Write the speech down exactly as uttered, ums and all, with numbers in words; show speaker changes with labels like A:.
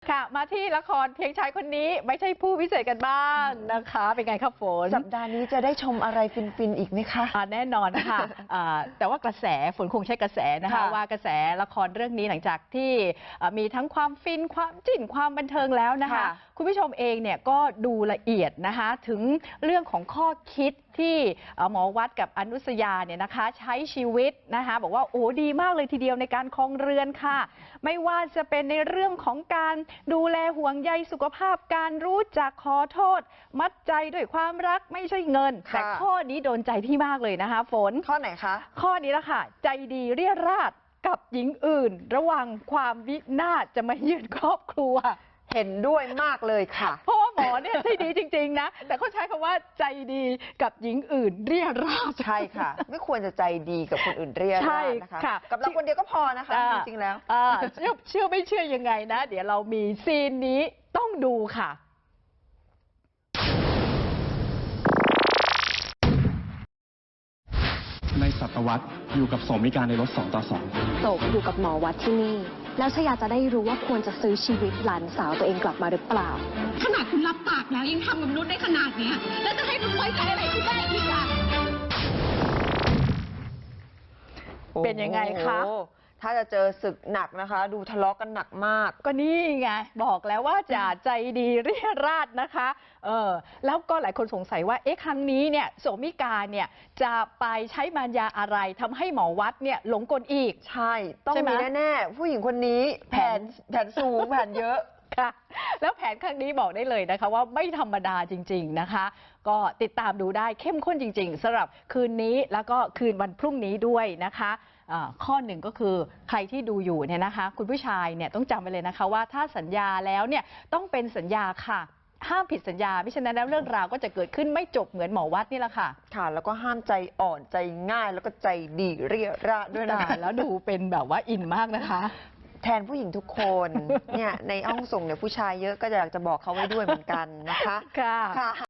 A: ค่ะมาที่ละครเพียงชายคนนี้ไม่ใช่ผู้พิเศษกันบ้างนะคะเป็นไงครับฝน
B: สัปดาห์นี้จะได้ชมอะไรฟินๆอีกไหมคะ
A: อ่าแน่นอนค่ะอ่าแต่ว่ากระแสฝนคงใช้กระแสนะคะว่ากระแสละครเรื่องนี้หลังจากที่มีทั้งความฟินความจิ้นความบันเทิงแล้วนะคะคุณผู้ชมเองเนี่ยก็ดูละเอียดนะคะถึงเรื่องของข้อคิดที่หมอวัดกับอนุสยาเนี่ยนะคะใช้ชีวิตนะคะบอกว่าโอ้ดีมากเลยทีเดียวในการครองเรือนค่ะไม่ว่าจะเป็นในเรื่องของการดูแลห่วงใยสุขภาพการรู้จักขอโทษมัดใจด้วยความรักไม่ใช่เงินแต่ข้อนี้โดนใจพี่มากเลยนะคะฝน
B: ข้อไหนคะ
A: ข้อนี้ละค่ะใจดีเรียราดกับหญิงอื่นระวังความวินาศจะมาเยือนครอบครัว
B: เห็นด้วยมากเลยค่ะ
A: เพราะว่าหมอเนี่ยใจดีจริงๆนะแต่เขาใช้คำว่าใจดีกับหญิงอื่นเรียราด
B: ใช่ค่ะไม่ควรจะใจดีกับคนอื่นเรียราดนะคะกับเราคนเดียวก็พอนะคะจริงๆแล้ว
A: เชื่อเชื่อไม่เชื่อยังไงนะเดี๋ยวเรามีซีนนี้ต้องดูค่ะ
C: ในศตวรรษอยู่กับโสมิการในรถสองต่อสอง
D: โศกอยู่กับหมอวัดที่นี่แล้วชยาจะได้รู้ว่าควรจะซื้อชีวิตหลานสาวตัวเองกลับมาหรือเปล่า
E: ขนาดคุณรับปากแล้วยังทำกับนุชได้ขนาดนี้แล้วจะให้นุชไว้ใจอะไรคุณได้อีกอ่ะ
A: เป็นยังไงคะ
B: ถ้าจะเจอศึกหนักนะคะ ดูทะเลาะกันหนักมาก
A: ก็นี่ไงบอกแล้วว่าจะใจดีเรียราดนะคะเออแล้วก็หลายคนสงสัยว่าเอ๊ะครั้งนี้เนี่ยโสมิกาเนี่ยจะไปใช้มารยาอะไรทำให้หมอวัดเนี่ยหลงกลอีก
B: ใช่ต้องมีแน่ๆผู้หญิงคนนี้แผนแผนสูงแผนเยอะ
A: ค่ะแล้วแผนครั้งนี้บอกได้เลยนะคะว่าไม่ธรรมดาจริงๆนะคะก็ติดตามดูได้เข้มข้นจริงๆสำหรับคืนนี้แล้วก็คืนวันพรุ่งนี้ด้วยนะคะข้อหนึ่งก็คือใครที่ดูอยู่เนี่ยนะคะคุณผู้ชายเนี่ยต้องจำไว้เลยนะคะว่าถ้าสัญญาแล้วเนี่ยต้องเป็นสัญญาค่ะห้ามผิดสัญญาไม่ฉะนั้นแล้วเรื่องราวก็จะเกิดขึ้นไม่จบเหมือนหมอวัดนี่แหละค่ะ
B: ค่ะแล้วก็ห้ามใจอ่อนใจง่ายแล้วก็ใจดีเรียราดด้วยนะ
A: แล้วดูเป็นแบบว่าอินมากนะคะ
B: แทนผู้หญิงทุกคนเนี่ยในห้องส่งเนี่ยผู้ชายเยอะก็อยากจะบอกเขาไว้ด้วยเหมือนกันนะคะ
A: ค่ะ